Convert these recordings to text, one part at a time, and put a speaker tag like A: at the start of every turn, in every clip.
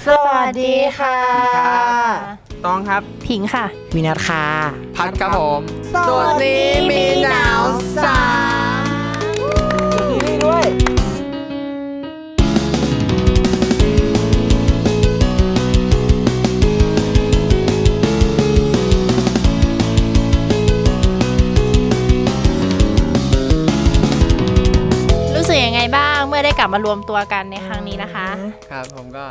A: สวัสดีค่ะ
B: ตองครับ
A: ผิงค่ะ
C: วินัทค่ะ
D: พัดครับผม
A: โซนนี้มีหนาวสา
B: ซีรีส์ด้วย
A: รู้สึกยังไงบ้างเมื่อได้กลับมารวมตัวกันในครั้งนี้นะคะ
D: ครับผมก็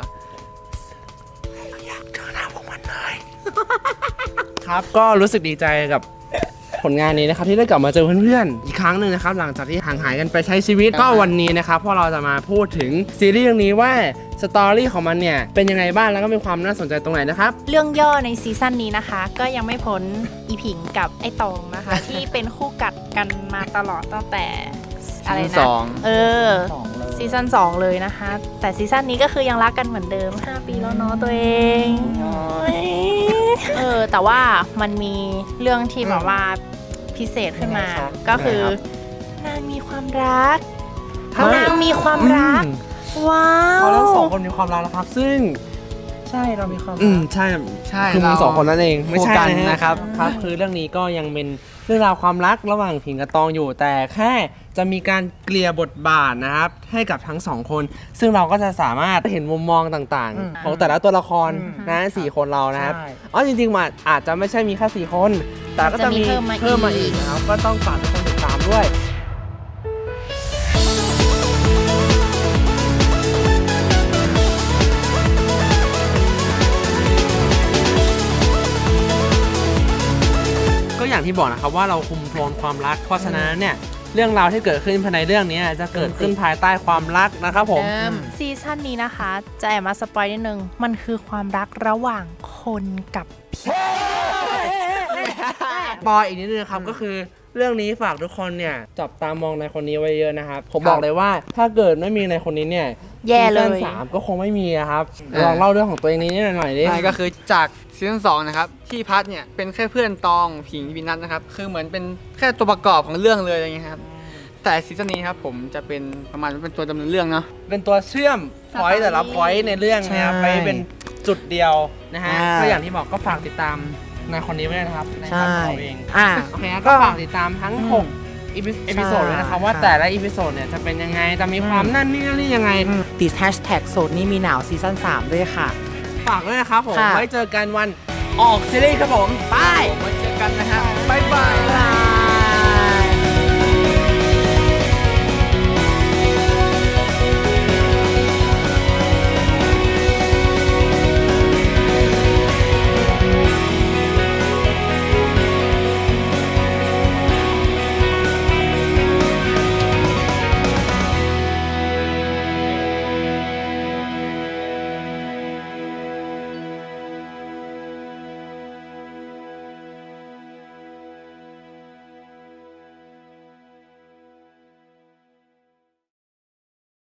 B: ครับก็รู้สึกดีใจกับผลงานนี้นะครับที่ได้กลับมาเจอเพื่อนๆอีกครั้งหนึ่งนะครับหลังจากที่ห่างหายกันไปใช้ชีวิตก็วันนี้นะครับพวกเราจะมาพูดถึงซีรีส์เรื่องนี้ว่าสตอรี่ของมันเนี่ยเป็นยังไงบ้างแล้วก็มีความน่าสนใจตรงไหนนะครับ
A: เรื่องย่อในซีซั่นนี้นะคะ ก็ยังไม่พ้นอีผิงกับไอตองนะคะ ที่เป็นคู่กัดกันมาตลอดตั้งแต่อะไรนะซีซั่น2เลยนะคะ แต่ซีซั่นนี้ก็คือยังรักกันเหมือนเดิม5 ปีแล้วเนาะตัวเองแต่ว่ามันมีเรื่องที่แบบว่าพิเศษขึ้นมา ก็คือนางมีความรักนางมีความรักว้าว
B: เราทั้งสองคนมีความรักนะครับซึ่ง
C: ใช่เรามีความ
B: ใช่
D: ใช่
B: คือมึงสองคนนั่นเองไม่ใช่
D: กันนะครับ
B: ครับคือเรื่องนี้ก็ยังเป็นเรื่องราวความรักระหว่างผิงกับตองอยู่แต่แค่จะมีการเกลี่ยบทบาทนะครับให้กับทั้งสองคนซึ่งเราก็จะสามารถเห็นมุมมองต่างๆของแต่ละตัวละครนะ4 คนเรานะครับจริงๆมันอาจจะไม่ใช่มีแค่4 คนแต่ก็จะมีเพิ่มมาอีกนะครับก็ต้องฝากทุกคนติดตามด้วยก็อย่างที่บอกนะครับว่าเราคุมโทนความรักเพราะฉะนั้นเนี่ยเรื่องราวที่เกิดขึ้นภายในเรื่องนี้จะเกิดขึ้นภายใต้ความรักนะครับผม
A: ซีซั่นนี้นะคะจะแอบมาสปอยนิดนึงมันคือความรักระหว่างคนกับผี
B: ปอยอีกนิดนึงครับก็คือเรื่องนี้ฝากทุกคนเนี่ยจับตามองในคนนี้ไว้เยอะนะครับผมบอกเลยว่าถ้าเกิดไม่มีในคนนี้เนี่ย
A: แย่เลย
B: ซีซั่น3ก็คงไม่มีครับลองเล่าเรื่องของตัวเองนิดหน่อยดิ
D: ใช่ก็คือจากซีซั่น2นะครับที่พัดเนี่ยเป็นแค่เพื่อนตองผิงวินัทนะครับคือเหมือนเป็นแค่ตัวประกอบของเรื่องเลยอะไรเงี้ยครับแต่ซีซั่นนี้ครับผมจะเป็นประมาณเป็นตัวดำเนินเรื่องเนาะ
B: เป็นตัวเชื่อมพอยต์แต่ละพอยต์ในเรื่องนะครับไปเป็นจุดเดียวนะฮะก็อย่างที่บอกก็ฝากติดตามในคนนี้ไว้ด้วยนะครับในคำของเองโอเคก็ฝากติดตามทั้ง6เอพิโซดเลยนะครับว่าแต่ละอีพิโซดเนี่ยจะเป็นยังไงจะมีความนั่นนี่ยังไง
C: ติดแฮชแท็กโซนนี้มีหนาวซีซั่น3ด้วยค่ะ
B: ฝากด้วยนะครับผมไว้เจอกันวันออกซีรีส์ครับผม
D: ไปมาเจอกันนะฮะบ๊ายบาย